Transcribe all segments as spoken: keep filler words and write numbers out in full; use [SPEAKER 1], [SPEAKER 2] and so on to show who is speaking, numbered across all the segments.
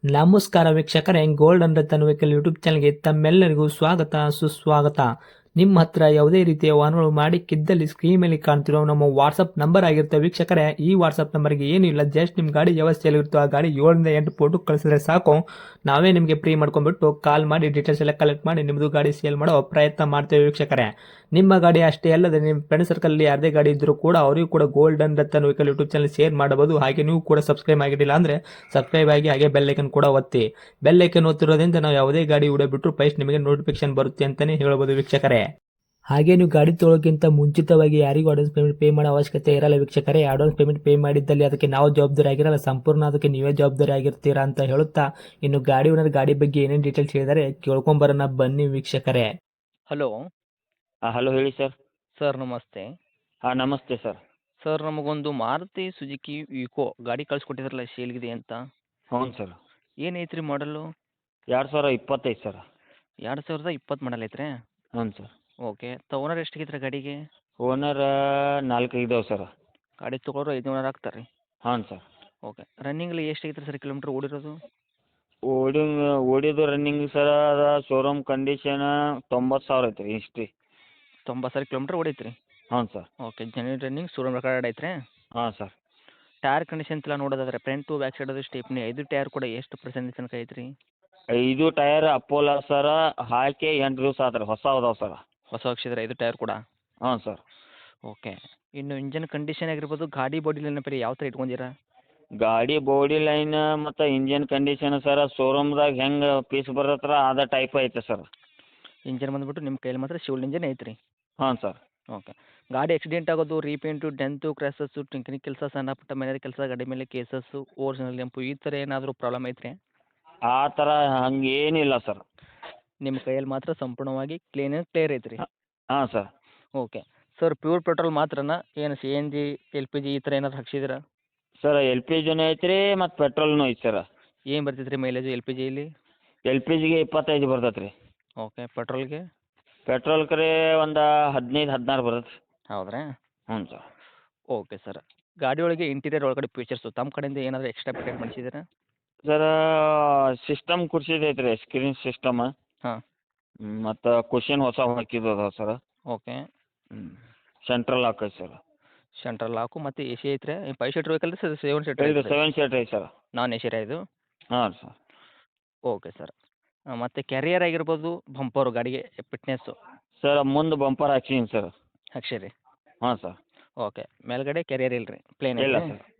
[SPEAKER 1] ನಮಸ್ಕಾರ ವೀಕ್ಷಕರೇ, gold and Ratan vehicle YouTube ಚಾನಲ್ಗೆ ತಮ್ಮೆಲ್ಲರಿಗೂ ಸ್ವಾಗತ ಸುಸ್ವಾಗತ. ನಿಮ್ಮ ಹತ್ರ ಯಾವುದೇ ರೀತಿಯ ವಾಹನಗಳು ಮಾಡಿಕ್ಕಿದ್ದಲ್ಲಿ ಸ್ಕ್ರೀನ್ ಮೇಲೆ ಕಾಣ್ತಿರೋ ನಮ್ಮ ವಾಟ್ಸಪ್ ನಂಬರ್ ಆಗಿರುತ್ತೆ ವೀಕ್ಷಕರೇ. ಈ ವಾಟ್ಸಪ್ ನಂಬರ್ಗೆ ಏನಿಲ್ಲ, ಜಸ್ಟ್ ನಿಮ್ಮ ಗಾಡಿ ವ್ಯವಸ್ಥೆಯಲ್ಲಿರುತ್ತೋ ಆ ಗಾಡಿ ಏಳರಿಂದ ಎಂಟು ಫೋಟೋ ಕಳಿಸಿದ್ರೆ ಸಾಕು, ನಾವೇ ನಿಮಗೆ ಫ್ರೀ ಮಾಡ್ಕೊಂಡ್ಬಿಟ್ಟು ಕಾಲ್ ಮಾಡಿ ಡೀಟೇಲ್ಸ್ ಎಲ್ಲ ಕಲೆಕ್ಟ್ ಮಾಡಿ ನಿಮ್ಮದು ಗಾಡಿ ಸೇಲ್ ಮಾಡೋ ಪ್ರಯತ್ನ ಮಾಡ್ತೇವೆ ವೀಕ್ಷಕರೇ. ನಿಮ್ಮ ಗಾಡಿ ಅಷ್ಟೇ ಅಲ್ಲದೆ ನಿಮ್ಮ ಫ್ರೆಂಡ್ ಸರ್ಕಲಲ್ಲಿ ಯಾರದೇ ಗಾಡಿ ಇದ್ದರೂ ಕೂಡ ಅವರಿಗೂ ಕೂಡ gold and Ratan vehicle YouTube channel share ಮಾಡಬಹುದು. ಹಾಗೆ ನೀವು ಕೂಡ ಸಬ್ಸ್ಕ್ರೈಬ್ ಆಗಿರಲಿಲ್ಲ ಅಂದರೆ ಸಬ್ಸ್ಕ್ರೈಬ್ ಆಗಿ ಹಾಗೆ ಬೆಲ್ ಐಕನ್ ಕೂಡ ಒತ್ತಿ. ಬೆಲ್ ಐಕನ್ ಒತ್ತಿರೋದ್ರಿಂದ ನಾವು ಯಾವುದೇ ಗಾಡಿ ವಿಡಿಯೋ ಬಿಟ್ಟರು ಫಸ್ಟ್ ನಿಮಗೆ ನೋಟಿಫಿಕೇಶನ್ ಬರುತ್ತೆ ಅಂತಲೇ ಹೇಳ್ಬೋದು ವೀಕ್ಷಕರೇ. ಹಾಗೆ ನೀವು ಗಾಡಿ ತೊಳೋಕ್ಕಿಂತ ಮುಂಚಿತವಾಗಿ ಯಾರಿಗೂ ಅಡ್ವಾನ್ಸ್ ಪೇಮೆಂಟ್ ಪೇ ಮಾಡೋ ಅವಶ್ಯಕತೆ ಇರಲ್ಲ ವೀಕ್ಷಕರೇ. ಅಡ್ವಾನ್ಸ್ ಪೇಮೆಂಟ್ ಪೇ ಮಾಡಿದ್ದಲ್ಲಿ ಅದಕ್ಕೆ ನಾವು ಜವಾಬ್ದಾರಿ ಆಗಿರಲ್ಲ, ಸಂಪೂರ್ಣ ಅದಕ್ಕೆ ನೀವೇ ಜವಾಬ್ದಾರಿ ಆಗಿರ್ತೀರಾ ಅಂತ ಹೇಳುತ್ತಾ, ಇನ್ನು ಗಾಡಿ ಓನರ್ ಗಾಡಿ ಬಗ್ಗೆ ಏನೇನು ಡೀಟೇಲ್ಸ್ ಹೇಳಿದರೆ ಕೇಳ್ಕೊಂಬರೋಣ ಬನ್ನಿ ವೀಕ್ಷಕರೇ.
[SPEAKER 2] ಹಲೋ
[SPEAKER 3] ಹಾಂ ಹಲೋ ಹೇಳಿ ಸರ್.
[SPEAKER 2] ಸರ್ ನಮಸ್ತೆ.
[SPEAKER 3] ಹಾಂ ನಮಸ್ತೆ ಸರ್.
[SPEAKER 2] ಸರ್ ನಮಗೊಂದು ಮಾರುತಿ ಸುಜುಕಿ ವಿಕೋ ಗಾಡಿ ಕಳಿಸ್ಕೊಟ್ಟಿದ್ರಲ್ಲ ಸೇಲ್ಗಿದೆ ಅಂತ,
[SPEAKER 3] ಹ್ಞೂ ಸರ್.
[SPEAKER 2] ಏನೈತೆ ರೀ ಮಾಡಲು?
[SPEAKER 3] ಎರಡು ಸಾವಿರ ಇಪ್ಪತ್ತೈದು ಸರ್.
[SPEAKER 2] ಎರಡು ಸಾವಿರದ ಇಪ್ಪತ್ತು ಮಾಡಲ್ ಐತ್ರಿ?
[SPEAKER 3] ಹ್ಞೂ ಸರ್.
[SPEAKER 2] ಓಕೆ. ತ ಓನರ್ ಎಷ್ಟಾಗೈತೆ ರೀ ಗಾಡಿಗೆ?
[SPEAKER 3] ಓನರ್ ನಾಲ್ಕು ಇದಾವೆ ಸರ್.
[SPEAKER 2] ಗಾಡಿ ತೊಗೊಳೋರು ಐದು ಓನರ್ ಆಗ್ತಾರೆ ರೀ?
[SPEAKER 3] ಹಾಂ ಸರ್.
[SPEAKER 2] ಓಕೆ. ರನ್ನಿಂಗಲ್ಲಿ ಎಷ್ಟಾಗೈತೆ ಸರ್ ಕಿಲೋಮೀಟ್ರ್ ಓಡಿರೋದು?
[SPEAKER 3] ಓಡಿ ಓಡಿದ್ದು ರನ್ನಿಂಗ್ ಸರ್ ಅದು ಶೋರೂಮ್ ಕಂಡೀಷನ್ ತೊಂಬತ್ತು ಸಾವಿರ ಐತೆ ರೀ ಹಿಸ್ಟ್ರಿ.
[SPEAKER 2] ತೊಂಬತ್ತು ಸಾವಿರ ಕಿಲೋಮೀಟ್ರ್ ಓಡೈತೆ ರೀ?
[SPEAKER 3] ಹ್ಞೂ sir.
[SPEAKER 2] Okay. Genuine running showroom record ಐತ್ರಿ?
[SPEAKER 3] ಹಾಂ ಸರ್.
[SPEAKER 2] ಟೈರ್ ಕಂಡೀಷನ್ ಎಲ್ಲ ನೋಡೋದಾದ್ರೆ ಫ್ರಂಟು ಬ್ಯಾಕ್ ಸೈಡ್ ಅದು ಸ್ಟೇಪ್ನಿ ಐದು ಟೈರ್ ಕೂಡ ಎಷ್ಟು ಪರ್ಸೆಂಟ್ ತನಕ ಐತ್ರಿ?
[SPEAKER 3] ಐದು ಟೈರ್ ಅಪೋಲೋ ಸರ ಹಾಕಿ ಎಂಟು ದಿವಸ ಆತ್ರಿ, ಹೊಸ ಅದಾವೆ ಸರ್.
[SPEAKER 2] ಹೊಸ ಹಾಕ್ಸಿದ್ರೆ ಐದು ಟೈರ್ ಕೂಡ?
[SPEAKER 3] ಹಾಂ ಸರ್.
[SPEAKER 2] ಓಕೆ. ಇನ್ನು ಇಂಜನ್ ಕಂಡೀಷನ್ ಆಗಿರ್ಬೋದು, ಗಾಡಿ ಬಾಡಿ ನೆನಪರಿ ಯಾವ ಥರ ಇಟ್ಕೊಂಡಿರಾ?
[SPEAKER 3] ಗಾಡಿ ಬಾಡಿ ಲೈನ್ ಮತ್ತು ಇಂಜಿನ್ ಕಂಡೀಷನ್ ಸರ್ ಶೋರೂಮ್ದಾಗ ಹೆಂಗೆ ಪೀಸ್ ಬರತ್ತಲ್ಲ ಅದೇ ಟೈಪ್ ಐತೆ ಸರ್.
[SPEAKER 2] ಇಂಜನ್ ಬಂದುಬಿಟ್ಟು ನಿಮ್ಮ ಕೈಯಲ್ಲಿ ಮಾತ್ರ ಶಿವಲ್ ಇಂಜನ್ ಐತ್ರಿ?
[SPEAKER 3] ಹಾಂ ಸರ್.
[SPEAKER 2] ಓಕೆ. ಗಾಡಿ ಆಕ್ಸಿಡೆಂಟ್ ಆಗೋದು, ರೀಪೇಂಟು, ಡೆಂತು, ಕ್ರ್ಯಾಸಸ್ಸು, ಟಿಂಕರಿಂಗ್ ಕೆಲಸ, ಸಣ್ಣ ಪುಟ್ಟ ಮನೆ ಕೆಲಸ, ಗಾಡಿ ಮೇಲೆ ಕೇಸಸ್ಸು, ಓರಿಜಿನಲ್ ನೆಂಪು ಈ ಥರ ಏನಾದರೂ ಪ್ರಾಬ್ಲಮ್ ಐತ್ರಿ?
[SPEAKER 3] ಆ ಥರ ಹಂಗೇನಿಲ್ಲ ಸರ್.
[SPEAKER 2] ನಿಮ್ಮ ಕೈಯಲ್ಲಿ ಮಾತ್ರ ಸಂಪೂರ್ಣವಾಗಿ ಕ್ಲೀನ್ ಆ್ಯಂಡ್ ಕ್ಲಿಯರ್ ಐತ್ರಿ?
[SPEAKER 3] ಹಾಂ sir.
[SPEAKER 2] Okay. Sir pure petrol ಮಾತ್ರನಾ, ಏನು C N G, L P G ಈ ಥರ ಏನಾದ್ರು ಹಾಕ್ಸಿದ್ದೀರಾ?
[SPEAKER 3] ಸರ್ ಎಲ್ ಪಿ ಜಿನೂ ಐತೆ ರೀ ಮತ್ತು ಪೆಟ್ರೋಲ್ನೂ ಐತೆ ಸರ್.
[SPEAKER 2] ಏನು ಬರ್ತೈತೆ ರೀ ಮೈಲೇಜು ಎಲ್ ಪಿ ಜಿಯಲ್ಲಿ?
[SPEAKER 3] ಎಲ್ ಪಿ ಜಿಗೆ ಇಪ್ಪತ್ತೈದು ಬರ್ತೈತೆ ರೀ.
[SPEAKER 2] ಓಕೆ. ಪೆಟ್ರೋಲ್ಗೆ?
[SPEAKER 3] ಪೆಟ್ರೋಲ್ ಕರೆ ಒಂದು ಹದಿನೈದು ಹದಿನಾರು ಬರುತ್ತೆ.
[SPEAKER 2] ಹೌದ್ರಾ?
[SPEAKER 3] ಹ್ಞೂ ಸರ್.
[SPEAKER 2] Okay sir. ಗಾಡಿ ಒಳಗೆ ಇಂಟೀರಿಯರ್ ಒಳಗಡೆ ಫೀಚರ್ಸು ತಮ್ಮ ಕಡೆಯಿಂದ ಏನಾದರೂ ಎಕ್ಸ್ಟ್ರಾ ಫಿಟೆಡ್ ಮಾಡಿಸಿದ್ದೀರಾ?
[SPEAKER 3] ಸರ್ ಸಿಸ್ಟಮ್ ಕುರ್ಸಿದೈತೆ ರೀ, ಸ್ಕ್ರೀನ್ ಸಿಸ್ಟಮ್.
[SPEAKER 2] ಹಾಂ.
[SPEAKER 3] ಮತ್ತು ಕುಷನ್ ಹೊಸ ಹಾಕಿದ್ದು ಅದಾವೆ ಸರ್.
[SPEAKER 2] ಓಕೆ.
[SPEAKER 3] ಹ್ಞೂ. ಸೆಂಟ್ರಲ್ ಲಾಕ್ ಐತೆ ಸರ್.
[SPEAKER 2] ಸೆಂಟ್ರಲ್ ಲಾಕು ಮತ್ತು ಎ ಸಿ ಐತ್ರಿ? Five seater vehicle sir seven seater
[SPEAKER 3] ಇದು
[SPEAKER 2] ಐತ್ರಿ?
[SPEAKER 3] ಸೆವೆನ್ ಸೀಟ್ ಐತೆ ಸರ್.
[SPEAKER 2] ನಾನ್ ಎ ಸಿ ಇದು?
[SPEAKER 3] ಹಾಂ ಸರ್.
[SPEAKER 2] Okay sir. ಮತ್ತು ಕ್ಯಾರಿಯರ್ ಆಗಿರ್ಬೋದು, ಬಂಪರು ಗಾಡಿಗೆ ಫಿಟ್ನೆಸ್ಸು?
[SPEAKER 3] ಸರ್ ಮುಂದೆ ಬಂಪರ್ ಹಾಕ್ಸೀನಿ ಸರ್.
[SPEAKER 2] ಹಾಕ್ಸಿರಿ?
[SPEAKER 3] ಹಾಂ ಸರ್.
[SPEAKER 2] ಓಕೆ. ಮೇಲ್ಗಡೆ ಕ್ಯಾರಿಯರ್ ಇಲ್ಲ ರೀ, ಪ್ಲೇನ್
[SPEAKER 3] ಇಲ್ಲ
[SPEAKER 2] ಐತ್ರಿ?
[SPEAKER 3] ಸರ್.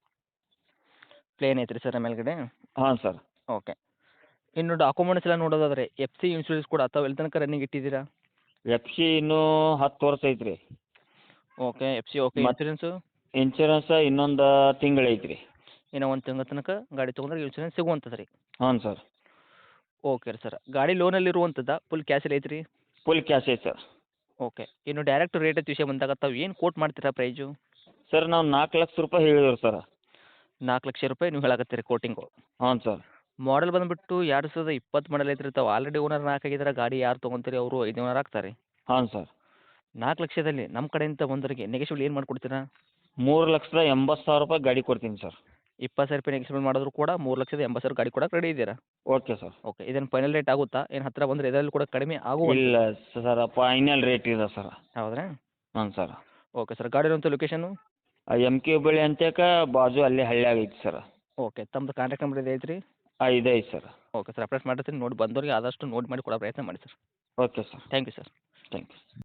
[SPEAKER 2] ಪ್ಲೇನ್ ಐತ್ರಿ ಸರ್ ಮೇಲ್ಗಡೆ?
[SPEAKER 3] ಹಾಂ ಸರ್.
[SPEAKER 2] ಓಕೆ. ಇನ್ನು ಡಾಕ್ಯುಮೆಂಟ್ಸ್ ಎಲ್ಲ ನೋಡೋದಾದ್ರೆ ಎಫ್ ಸಿ ಇನ್ಶೂರೆನ್ಸ್ ಕೂಡ ಅಥವಾ ಎಲ್ಲಿ ತನಕ ರನ್ನಿಂಗ್ ಇಟ್ಟಿದ್ದೀರಾ?
[SPEAKER 3] ಎಫ್ ಸಿ ಇನ್ನೂ ಹತ್ತು ವರ್ಷ ಐತೆ ರೀ.
[SPEAKER 2] ಓಕೆ. F C okay.
[SPEAKER 3] ಮತ್-
[SPEAKER 2] ಇನ್ಶೂರೆನ್ಸು?
[SPEAKER 3] ಇನ್ಶೂರೆನ್ಸ್ ಇನ್ನೊಂದು ತಿಂಗಳು ಐತೆ ರೀ.
[SPEAKER 2] ಇನ್ನು ಒಂದು ತಿಂಗಳ ತನಕ ಗಾಡಿ ತೊಗೊಂಡ್ರೆ ಇನ್ಶೂರೆನ್ಸ್ ಸಿಗುವಂಥದ್ದು ರೀ?
[SPEAKER 3] ಹಾಂ ಸರ್.
[SPEAKER 2] ಓಕೆ ರೀ ಸರ್. ಗಾಡಿ ಲೋನಲ್ಲಿ ಇರುವಂಥದ್ದು ಫುಲ್ ಕ್ಯಾಶಲ್ಲಿ ಐತ್ರಿ?
[SPEAKER 3] ಫುಲ್ ಕ್ಯಾಶ್ ಐತೆ ಸರ್.
[SPEAKER 2] ಓಕೆ. ಇನ್ನು ಡೈರೆಕ್ಟ್ ರೇಟ್ ವಿಷಯ ಬಂದಾಗ ತಾವು ಏನು ಕೋಟ್ ಮಾಡ್ತೀರಾ ಪ್ರೈಜು?
[SPEAKER 3] ಸರ್ ನಾವು ನಾಲ್ಕು ಲಕ್ಷ ರೂಪಾಯಿ ಹೇಳಿದ್ರು ಸರ್.
[SPEAKER 2] ನಾಲ್ಕು ಲಕ್ಷ ರೂಪಾಯಿ ನೀವು ಹೇಳಕತ್ತೀರಿ ಕೋಟಿಂಗು?
[SPEAKER 3] ಹಾಂ ಸರ್.
[SPEAKER 2] ಮಾಡಲ್ ಬಂದುಬಿಟ್ಟು ಎರಡು ಸಾವಿರದ ಇಪ್ಪತ್ತು ಮಾಡಲ್ ಐತ್ರಿ. ತಾವು ಆಲ್ರೆಡಿ ಓನರ್ ನಾಲ್ಕು ಆಗಿದ್ರೆ ಗಾಡಿ ಯಾರು ತೊಗೊಂತೀರಿ ಅವರು ಐದು ಓನರ್ ಆಗ್ತಾರೆ.
[SPEAKER 3] ಹಾಂ ಸರ್.
[SPEAKER 2] ನಾಲ್ಕು ಲಕ್ಷದಲ್ಲಿ ನಮ್ಮ ಕಡೆಯಿಂದ ಬಂದವರಿಗೆ ನೆಗೆಶಿಬಲ್ ಏನು ಮಾಡಿಕೊಡ್ತೀರಾ?
[SPEAKER 3] ಮೂರು ಲಕ್ಷದ ಎಂಬತ್ತು ಸಾವಿರ ರೂಪಾಯಿ ಗಾಡಿ ಕೊಡ್ತೀನಿ ಸರ್.
[SPEAKER 2] ಇಪ್ಪತ್ತು ಸಾವಿರ ರೂಪಾಯಿ ನೆಗೆಶಿಬಲ್ ಮಾಡಿದ್ರು ಕೂಡ ಮೂರು ಲಕ್ಷದ ಎಂಬತ್ತು ಸಾವಿರ ಗಾಡಿ ಕೊಡಕ್ಕೆ ರೆಡಿ ಇದ್ದೀರಾ?
[SPEAKER 3] Okay sir.
[SPEAKER 2] ಓಕೆ. ಇದನ್ನು ಫೈನಲ್ ರೇಟ್ ಆಗುತ್ತಾ? ಏನು ಹತ್ತಿರ ಬಂದರೆ ಇದರಲ್ಲಿ ಕೂಡ ಕಡಿಮೆ ಆಗುವ?
[SPEAKER 3] ಇಲ್ಲ ಸರ್, ಫೈನಲ್ ರೇಟ್ ಇದೆ ಸರ್.
[SPEAKER 2] ಹೌದ್ರಾ?
[SPEAKER 3] ಹಾಂ ಸರ್.
[SPEAKER 2] Okay sir. ಗಾಡಿ ಇರುವಂಥ ಲೊಕೇಶನು?
[SPEAKER 3] ಎಮ್ ಕೆ ಹುಬ್ಬಳ್ಳಿ ಅಂತೇಕ ಬಾಜು ಅಲ್ಲೇ ಹಳ್ಳಿಯಾಗ ಐತಿ ಸರ್.
[SPEAKER 2] ಓಕೆ. ತಮ್ಮದು ಕಾಂಟ್ಯಾಕ್ಟ್ ನಂಬರ್ ಇದೆ ಐತ್ರಿ?
[SPEAKER 3] ಹಾಂ ಇದೆ ಐತೆ ಸರ್.
[SPEAKER 2] Okay sir. ಅಪ್ಡೇಟ್ ಮಾಡಿರ್ತೀನಿ, ನೋಡಿ ಬಂದವರಿಗೆ ಆದಷ್ಟು ನೋಡಿ ಮಾಡಿ ಕೊಡೋ ಪ್ರಯತ್ನ ಮಾಡಿ sir.
[SPEAKER 3] Okay sir.
[SPEAKER 2] Thank you sir.